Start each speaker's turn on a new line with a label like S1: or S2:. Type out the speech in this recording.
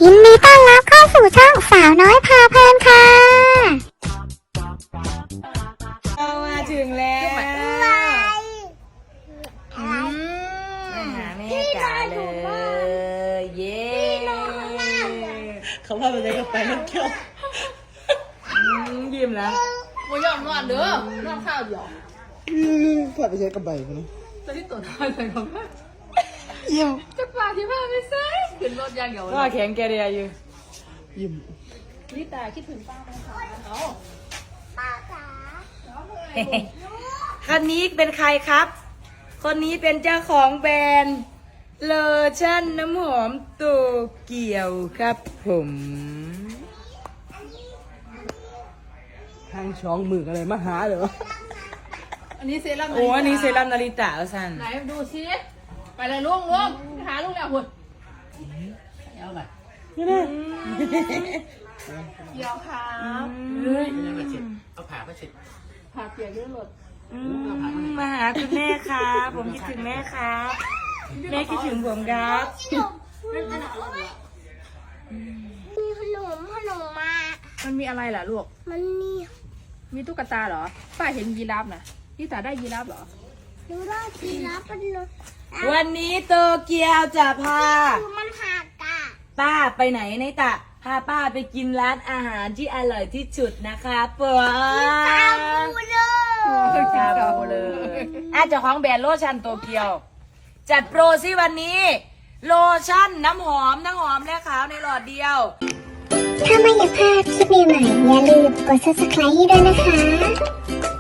S1: ยินดีต้อนรับเข้าสู่ช่องสาวน้อยพาเพลินค่ะ
S2: เรามาถึงแล้วมาหาแม่จ๋าเลยเย้
S3: เขาพาไปเลยกับไปน้ำเที่ยว
S2: ยิ้มแล้ว
S4: โมยอมนอนเด้อนอนข้าวเดียว
S3: พาไปใช้กับใบมันนะ
S4: ตอนที่ตัวนอนใส่ของแม่
S3: ยิ้ม
S4: จะปาที่บ้านไม่ใช่ขึ้นรถยางเดียว
S2: ก็แข็งแกเรียอยู่
S3: ยิ้ม
S4: นี่ตาคิดถึงป้าไหมคะเอา
S2: คนนี้เป็นใครครับ คนนี้เป็นเจ้าของแบรนด์โลชั่นน้ำหอมโตเกียวครับผม
S3: ทางช่องมืออะไรมาหาเหรอ
S4: อันนี้เซรั่ม
S2: โอ้อันนี้เซรั่มนาริตะเอาสัน
S4: ไหนดูซิไปเลยลุงหาลุงแล้วหุ่นเอาไป
S3: นี่นะ
S4: เดี๋ยวครับ
S3: เอาผ่ามาเสร็จ
S4: ผ่าเปียกด้วยรถ
S2: มาหาคุณแม่ครับผมคิดถึงแม่ครับแม่คิดถึงผมครับ
S1: มีขนมมา
S4: มันมีอะไรล่ะลูก
S1: มันมี
S4: มีตุ๊กตาเหรอป้าเห็นยีราฟนะนี่ตาได้ยีราฟเหรอ
S1: ดูได้ทีละเป็นเลย
S2: วันนี้โตเกียวจะพา
S1: มันหักอ่ะ
S2: ป้าไปไหนในตะพาป้าไปกินร้านอาหารที่อร่อยที่สุดนะคะปัว
S1: ดูเลย
S2: ชาบูเลยอาจจะของแบรนด์โลชั่นโตเกียว จัดโปรซิวันนี้ โลชั่นน้ำหอมทั้งหอมและขาวในหลอดเดียว
S1: ถ้าไม่อยากพลาดคลิปใหม่ๆอย่าลืมกด subscribe ให้ด้วยนะคะ